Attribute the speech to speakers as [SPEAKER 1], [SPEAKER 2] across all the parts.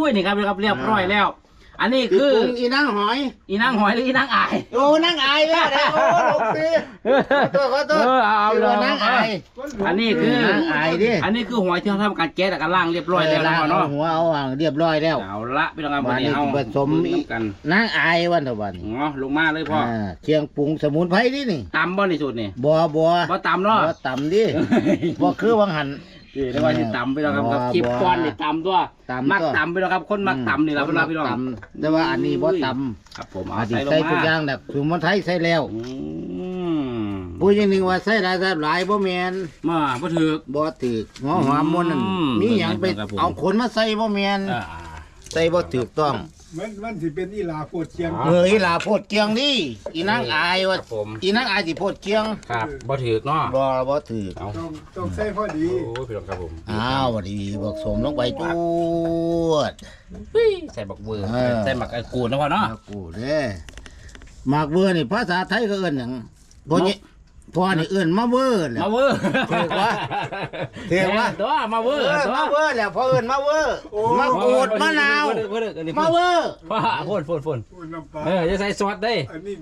[SPEAKER 1] นี่ครับเรียบร้อยแล้วอันนี้คือ
[SPEAKER 2] อีนางหอย
[SPEAKER 1] หรืออีนางอาย
[SPEAKER 2] โอ้นางอายแล้วนะโอ้ลูกสิขอโทษ
[SPEAKER 1] เอาเลย
[SPEAKER 2] นางอาย
[SPEAKER 1] อันนี้คือน
[SPEAKER 2] างอายดิ
[SPEAKER 1] อันนี้คือหอยที่เขาทำการแกะแล้วก็ล่างเรียบร้อยแล้วเนาะ
[SPEAKER 2] หัวเอาเรียบร้อยแล้ว
[SPEAKER 1] เอาละพี่น้องครับวันนี้เอา
[SPEAKER 2] ผสมกันนางอายวันต่อวัน
[SPEAKER 1] อ๋อลงมาเลยพ่อ
[SPEAKER 2] เชียงปรุงสมุนไพรนี่
[SPEAKER 1] ตำบ่ในสูตรนี่
[SPEAKER 2] บ่
[SPEAKER 1] ตำเนาะ
[SPEAKER 2] บ่ตำดิบ่คือวังหัน
[SPEAKER 1] เรียกว่าที่ตำไปแล้วครับคลิปก้อนนี่ตำตัวมักตำไปแล้วครับคนมักตำนี่แหละพี่น้อง
[SPEAKER 2] แต่ว่าอันนี้บ่ต
[SPEAKER 1] ำครับผม
[SPEAKER 2] เอาใส่ทุกอย่างแบบสมุนไพรใส่แล้วผู้ยังนึงว่าใส่หลายบ่แม่น
[SPEAKER 1] บ่ถือ
[SPEAKER 2] หัวหอมมันนั่นมีหยังไปเอาขนมาใส่บ่แม่นใส่บ่ถูกต้อง
[SPEAKER 3] มันสิเป็นอีหลาโพดเชียง
[SPEAKER 2] อีหลาโพดเกียงนี่อีนางอายว่าอีนางอายสิโพดเกียง
[SPEAKER 1] ครับบ่ถือเนาะ
[SPEAKER 2] บ่ถือ
[SPEAKER 3] ต้องใส่พอดี
[SPEAKER 1] โอ้พี่น้องครับผม
[SPEAKER 2] บ่ดีบอกสมลงไปจูด
[SPEAKER 1] ใส่บักเวอร์ใส่หมักกูดนะพ่อเนาะ
[SPEAKER 2] กูดเด้หมักเวอร์นี่ภาษาไทยก็เอิ้นหยังพ่อนี่เอื้อนมาเวอร์
[SPEAKER 1] มาเวอร์
[SPEAKER 2] ถูกวะ
[SPEAKER 1] ตัวมาเวอร์
[SPEAKER 2] แล้วพ่อเอื้อนมาเวอร์มาโกดมะนาวมาเวอร์
[SPEAKER 1] ฝนจะใส่ซอสได้
[SPEAKER 3] อันนี้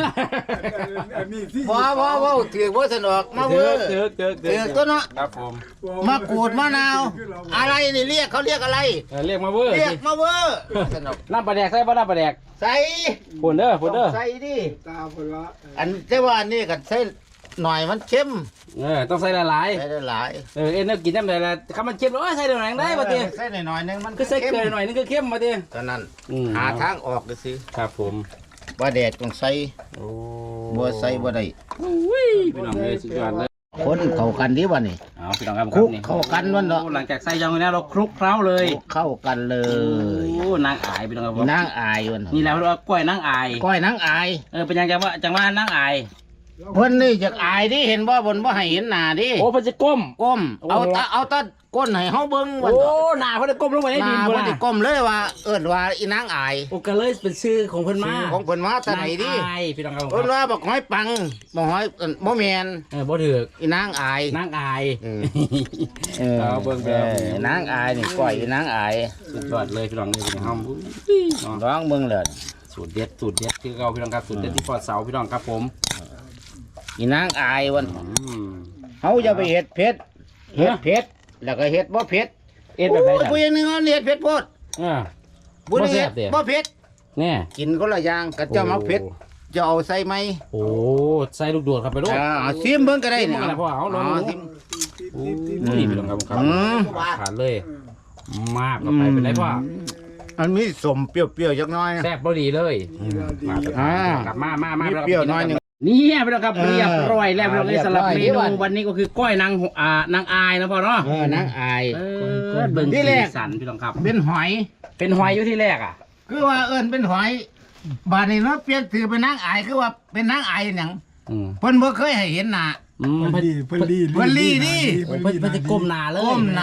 [SPEAKER 3] ที่
[SPEAKER 2] พ่อถือว่าสนุกมาเวอร์ถือตัวเนาะ
[SPEAKER 1] ครับผม
[SPEAKER 2] มาโกดมะนาวอะไรนี่เขาเรียกอะไร
[SPEAKER 1] เรียกมาเวอร์
[SPEAKER 2] สนุก
[SPEAKER 1] น้ำปลาแดกใส่ป่ะน้ำปลาแดก
[SPEAKER 2] ใส่
[SPEAKER 1] ฝนเด้อ
[SPEAKER 2] ใส่ดิ
[SPEAKER 3] ตาฝนละ
[SPEAKER 2] อันแต่ว่านี่กันใส่หน่อยมันเข้ม
[SPEAKER 1] ต้องใส่หลาย
[SPEAKER 2] ๆ
[SPEAKER 1] เอ็นกินน้ำหลายๆคำมันเข้มใส่หน่อยได้ป่ะตี
[SPEAKER 2] ใส่หน่อยนึงมัน
[SPEAKER 1] ก็ใส่เกลือหน่อยนึงก็เข้มมาตี
[SPEAKER 2] ตอนนั้นหาทางออกเลยสิ
[SPEAKER 1] ครับผม
[SPEAKER 2] ว่าแดดต้องใส่บัวใส่บ่ได้
[SPEAKER 1] พี่น้องเลยสุดยอดเลย
[SPEAKER 2] คนเข้ากันดีวะนี่
[SPEAKER 1] พี่น้องครับ
[SPEAKER 2] คลุกเข้ากันวันเนาะ
[SPEAKER 1] หลังจากใส่ยังไงเราคลุกเคล้าเลย
[SPEAKER 2] เข้ากันเลย
[SPEAKER 1] นางอายพี่น้องครับ
[SPEAKER 2] นางอายวัน
[SPEAKER 1] นี่แล้วเราก้อยนางอายเป็นยังจังว่านางอาย
[SPEAKER 2] เพิ่นนี่จากอายดิเห็นบ่บนบ่ให้เห็นหน้าดิ
[SPEAKER 1] โอ้เพิ่นจะก้ม
[SPEAKER 2] เอาตาก้นให้เฮาเบิ่ง
[SPEAKER 1] วันโอ้หน้าเพิ่นจะก้มลงไปในดิน
[SPEAKER 2] บ่ได้ก้มเลยว่าว่าอีนางอาย
[SPEAKER 1] โอ้ก็เลยเป็นชื่อของเพิ่นมา
[SPEAKER 2] แต่ไหนดิ
[SPEAKER 1] พี่น้องครับ
[SPEAKER 2] เพิ่นว่าบอกหอยปังบ่หอยบ่แม่น
[SPEAKER 1] บ่ถูก
[SPEAKER 2] อีนางอาย
[SPEAKER 1] เบิ่งไป
[SPEAKER 2] นางอายนี่ก้อยอีนางอาย
[SPEAKER 1] สุดยอดเลยพี่น้องนี่เป็นห้อง
[SPEAKER 2] ร้องเบิ่งเลย
[SPEAKER 1] สูตรเด็ดคือเราพี่น้องครับสูตรเด็ดที่ปอดเสาพี่น้องครับผม
[SPEAKER 2] อีนางอายวันเขาจะไปเห็ดเผ็ดแล้วก็เห็ดบ่เผ็ด
[SPEAKER 1] แบบไหน
[SPEAKER 2] ผู้ยังนึงเขาเห็ดเผ็ดโพด
[SPEAKER 1] บุญเห็ด
[SPEAKER 2] บ่เผ็ด
[SPEAKER 1] เนี่ย
[SPEAKER 2] กินก็ละอย่างกับเจ้ามักเผ็ดจะเอาใส่ไหม
[SPEAKER 1] โอ้ใส่ลูกโดดครับไปด้วย
[SPEAKER 2] ซิมเบิ่งก็ได้เนี่ย
[SPEAKER 1] พ่อเอาลองซิมนี่พี่น้องครับขาดเลยมากก็ไปเป็นไรพ่อ
[SPEAKER 2] มันมีสมเปรี้ยวๆจักน้อย
[SPEAKER 1] แซ่บพอดีเลยกลับมา
[SPEAKER 2] เปรี้ยวน้อยนึง
[SPEAKER 1] นี่พี่น้องครับเรียบร้อยแล้วเลยสำหรับเมนูวันนี้ก็คือก้อยนางอายนะพ่อเนาะ
[SPEAKER 2] นางอาย
[SPEAKER 1] เบิ่งที่แรกสันพี่น้องครับ
[SPEAKER 2] เป็นหอย
[SPEAKER 1] อยู่ที่แรก
[SPEAKER 2] คือว่าเป็นหอยบาดนี้เนาะเปลี่ยนถือเป็นนางอายคือว่าเป็นนางอายอย่างเพิ่นบ่เคยให้เห็นหน้า
[SPEAKER 3] เพิ่นลี
[SPEAKER 2] ดิ
[SPEAKER 1] เพิ่นจะก้มหน้าเลย